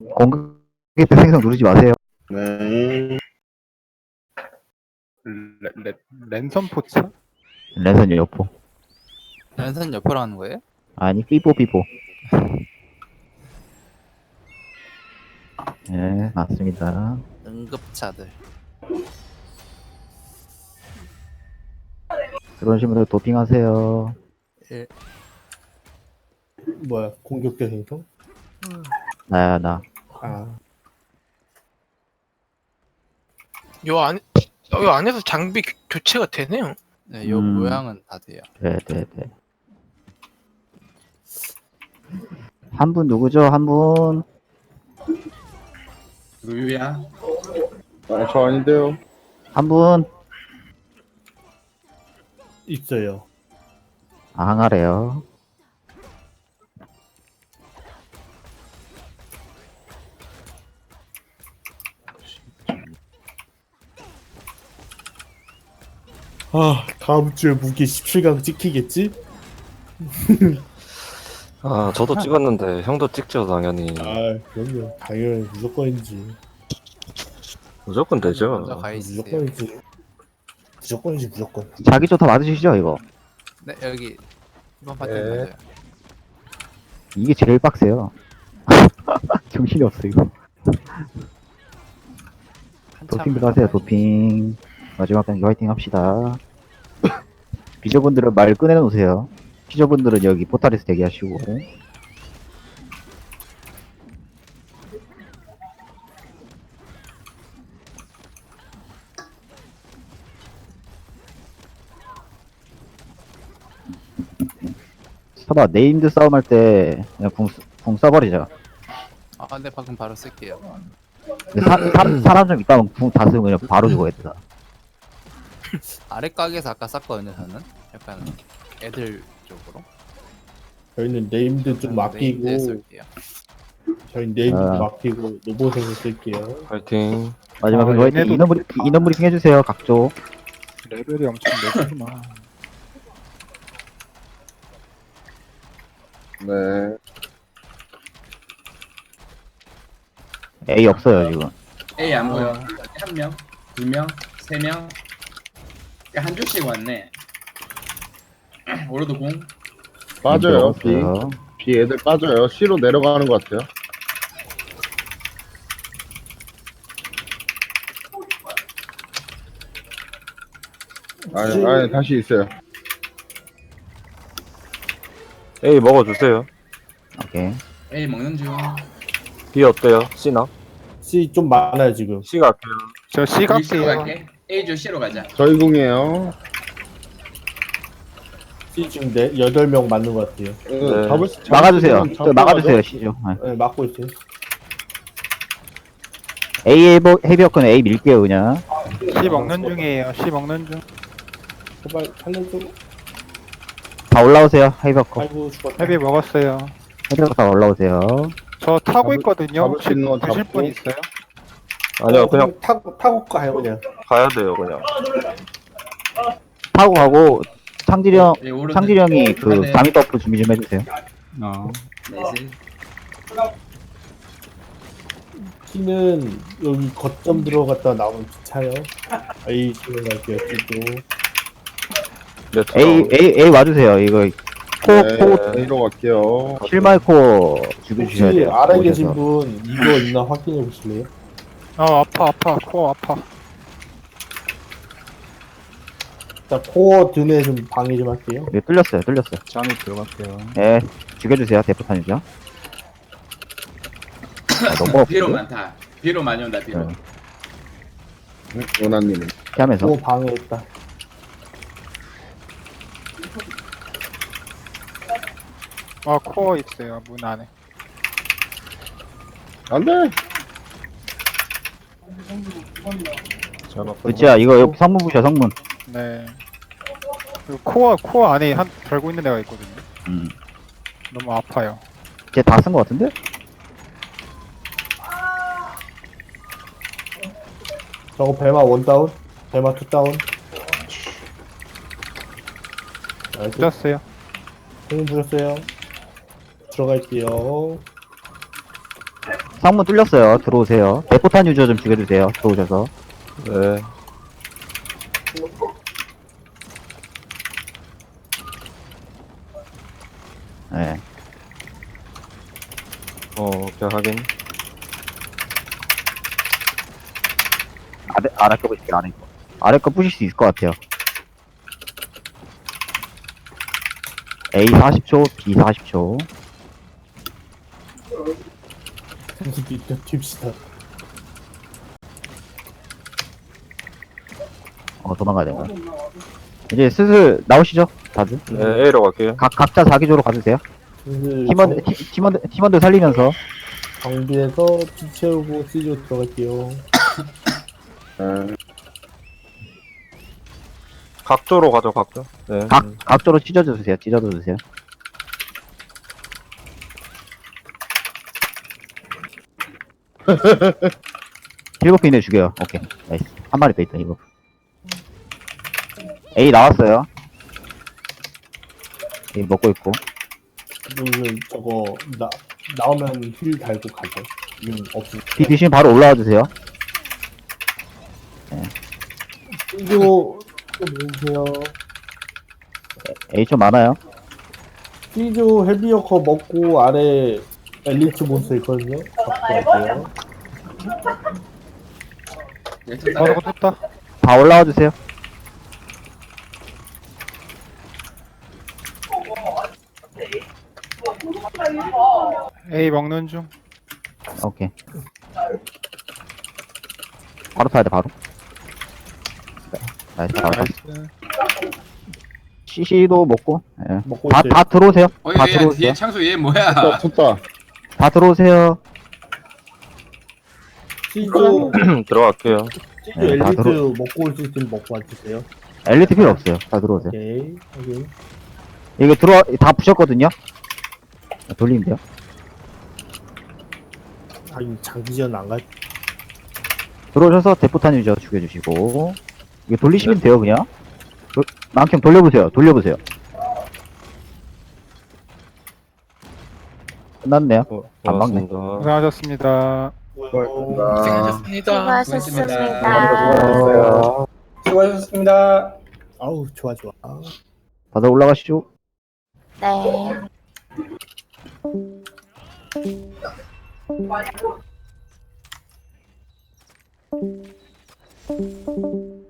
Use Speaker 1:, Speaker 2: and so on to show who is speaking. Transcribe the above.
Speaker 1: 공격기 때 생성 누르지 마세요.
Speaker 2: 네.
Speaker 3: 랜선 포차?
Speaker 1: 랜선 여포.
Speaker 4: 연산 옆으로 하는 거예요?
Speaker 1: 아니, 삐뽀. 네, 맞습니다.
Speaker 4: 응급차들.
Speaker 1: 들어오신 분들 도핑하세요.
Speaker 4: 예.
Speaker 2: 뭐야, 공격대 생성?
Speaker 1: 나야, 나.
Speaker 2: 아,
Speaker 5: 요 안에서 장비 교체가 되네요.
Speaker 4: 네, 요
Speaker 1: 음.
Speaker 4: 모양은 다 돼요.
Speaker 1: 네. 한 분 누구죠? 한 분?
Speaker 6: 루유야?
Speaker 2: 아, 저 아닌데요.
Speaker 1: 한 분?
Speaker 2: 있어요.
Speaker 1: 아, 항아래요.
Speaker 2: 아, 다음 주에 무기 17강 찍히겠지?
Speaker 7: 아, 저도 찍었는데 형도 찍죠, 당연히.
Speaker 2: 아, 그럼요. 당연히 무조건이지.
Speaker 7: 무조건 되죠.
Speaker 4: 먼저 가 있으세요.
Speaker 2: 무조건이지. 무조건.
Speaker 1: 자기 좀 다 맞으시죠, 이거?
Speaker 4: 네, 여기 이번 파티
Speaker 7: 네.
Speaker 4: 맞아요.
Speaker 1: 이게 제일 빡세요. 정신이 없어, 이거.
Speaker 4: 한참
Speaker 1: 도핑 들어가세요, 도핑. 마지막 단계 화이팅 합시다. 비저분들은 말 꺼내놓으세요. 피저분들은 여기 포탈에서 대기하시고. 서봐, 네임드 싸움할 때 그냥 궁 써버리자.
Speaker 4: 아, 네, 방금 바로 쓸게요.
Speaker 1: 사람 좀 있다면 궁 다 쓰면 그냥 바로 죽어야 돼.
Speaker 4: 아래 가게에서 아까 쌌거든요, 저는. 약간 애들 쪽으로.
Speaker 2: 저희는 네임드 좀 맡기고,
Speaker 4: 네임드에 쓸게요.
Speaker 2: 저희 네임드
Speaker 1: 아.
Speaker 2: 맡기고, 로봇을 쓸게요.
Speaker 7: 파이팅.
Speaker 1: 마지막에
Speaker 3: 아,
Speaker 1: 화이팅.
Speaker 3: 얘네도
Speaker 1: 인원 브리핑 해주세요, 각조.
Speaker 3: 레벨이 엄청 높구나.
Speaker 2: 네.
Speaker 1: A 없어요, 지금.
Speaker 6: A 안 보여. 한 명, 두 명, 세 명. 한 줄씩 왔네. 오로드 공.
Speaker 2: 빠져요, B.
Speaker 1: 없어요.
Speaker 2: B 애들 빠져요. C로 내려가는 것 같아요. 아니, 다시 있어요.
Speaker 7: A 먹어주세요.
Speaker 1: 오케이.
Speaker 6: A 먹는 중.
Speaker 7: B 어때요? C나?
Speaker 2: C 좀 많아요, 지금.
Speaker 7: C 갈게요.
Speaker 3: 저
Speaker 6: B C로
Speaker 3: 시각이에요.
Speaker 6: 갈게. A 줄 C로 가자.
Speaker 2: 저희 궁이에요. C 지금 8명 맞는 것 같아요.
Speaker 7: 네.
Speaker 1: 막아주세요. 저 막아주세요, 시죠. 네.
Speaker 2: 네, 막고 있어요.
Speaker 1: A 헤비어건 A 밀게요, 그냥.
Speaker 3: 시 먹는 중이에요. 시 먹는 중.
Speaker 2: 제발 살려줘.
Speaker 1: 다 올라오세요, 헤비어건.
Speaker 2: 아이고, 죽었다.
Speaker 3: 헤비 먹었어요.
Speaker 1: 헤비어건 다 올라오세요.
Speaker 3: 저 타고
Speaker 2: 잡을-
Speaker 3: 있거든요.
Speaker 2: 잡을
Speaker 3: 혹시
Speaker 2: 수 있는 건
Speaker 3: 보실
Speaker 2: 잡고.
Speaker 3: 분 있어요?
Speaker 7: 아니요, 그냥
Speaker 2: 타고 가요, 그냥.
Speaker 7: 가야 돼요, 그냥.
Speaker 1: 타고 가고,
Speaker 6: 예, 오로드.
Speaker 1: 창질형이 그
Speaker 6: 네.
Speaker 1: 잠입 버프 준비 좀 해주세요.
Speaker 6: 넷을.
Speaker 2: C는 여기 거점 들어갔다 나오면 차요. A C로 갈게요, C도.
Speaker 7: 네,
Speaker 1: A 와주세요. 이거, 코,
Speaker 2: A로 갈게요.
Speaker 1: 실마이코 죽여주셔야
Speaker 2: 혹시
Speaker 1: 돼요.
Speaker 2: 아래 계신
Speaker 1: 오셔서.
Speaker 2: 분 이거 있나 확인해 보실래요?
Speaker 3: 아파. 코어 아파.
Speaker 2: 자, 코어 드네 좀 방해 좀 할게요.
Speaker 1: 이거 뚫렸어요.
Speaker 3: 잠이 들어갈게요.
Speaker 1: 예, 죽여주세요. 대포탄이죠. 너무
Speaker 6: B로
Speaker 1: 없어요.
Speaker 6: 많다. B로 많이 온다. B로.
Speaker 1: 네.
Speaker 2: 원아님은
Speaker 1: 피하면서.
Speaker 2: 코어 방해했다.
Speaker 3: 아, 코어 있어요. 문 안에.
Speaker 2: 안돼.
Speaker 1: 그치야, 이거 여기 성문 부셔, 성문.
Speaker 3: 네. 그 코어 안에 한 달고 있는 애가 있거든요. 너무 아파요.
Speaker 1: 쟤 다 쓴 거 같은데?
Speaker 2: 저거 배마 원 다운, 배마 투 다운.
Speaker 3: 늦었어요.
Speaker 2: 형님 부셨어요. 들어갈게요.
Speaker 1: 상문 뚫렸어요. 들어오세요. 대포탄 유저 좀 죽여주세요. 들어오셔서.
Speaker 7: 네.
Speaker 1: 네.
Speaker 7: 오케이, 확인.
Speaker 1: 아래 거 보실게요. 아래 거. 아래 거 부실 수 있을 것 같아요. A 40초, B 40초.
Speaker 2: tip시다.
Speaker 1: 도망가야 되나? 이제 슬슬 나오시죠, 다들.
Speaker 7: 네, A로 갈게요.
Speaker 1: 각자 자기조로 가주세요. 팀원들 살리면서.
Speaker 2: 정비해서 피 채우고 C조 들어갈게요.
Speaker 7: 각조로 가죠, 각조. 네.
Speaker 1: 각조로 찢어주세요. 찢어주세요. 일곱 개 이내 죽여요. 오케이. 나이스. 한 마리 더 있다, 이거. A 나왔어요. A 먹고 있고.
Speaker 2: 그러면 저거 나오면 힐 달고 가죠. 없으면.
Speaker 1: B 드시면 바로 올라와 주세요.
Speaker 2: C조 또 모으세요.
Speaker 1: A 좀 많아요.
Speaker 2: C조 헤비어커 먹고 아래 엘리트 몬스터 있거든요. 잡고 갈게요.
Speaker 3: 바로 떴다.
Speaker 1: 다 올라와 주세요.
Speaker 3: A 먹는 중.
Speaker 1: 오케이. 바로 타야 돼, 바로. 네. 나이스, 바로 타.
Speaker 3: 나이스.
Speaker 1: CC도 먹고. 예.
Speaker 2: 먹고
Speaker 1: 다,
Speaker 2: 있어요.
Speaker 1: 다 들어오세요. 다
Speaker 6: 얘
Speaker 1: 들어오세요.
Speaker 6: 뒤에 창수 얘 뭐야?
Speaker 1: 다 들어오세요.
Speaker 2: C조
Speaker 7: 들어갈게요.
Speaker 2: C조
Speaker 1: 네, 다
Speaker 2: 엘리트
Speaker 1: 들어-
Speaker 2: 먹고 올 수 있으면 먹고 와주세요.
Speaker 1: 엘리트 필요 없어요. 다 들어오세요.
Speaker 2: 오케이. 오케이.
Speaker 1: 이게 다 부셨거든요? 돌리면 돼요.
Speaker 2: 이 장기전 안 갈.
Speaker 1: 들어오셔서 대포탄 유저 죽여주시고. 이게 돌리시면 돼요, 그냥. 만큼 돌려보세요. 돌려보세요. 끝났네요. 안 막네.
Speaker 7: 고맙습니다.
Speaker 3: 고생하셨습니다.
Speaker 5: 고생하셨습니다.
Speaker 8: 수고하셨습니다.
Speaker 6: 수고하셨습니다.
Speaker 2: 아우 좋아.
Speaker 1: 다들 올라가시죠.
Speaker 8: 네.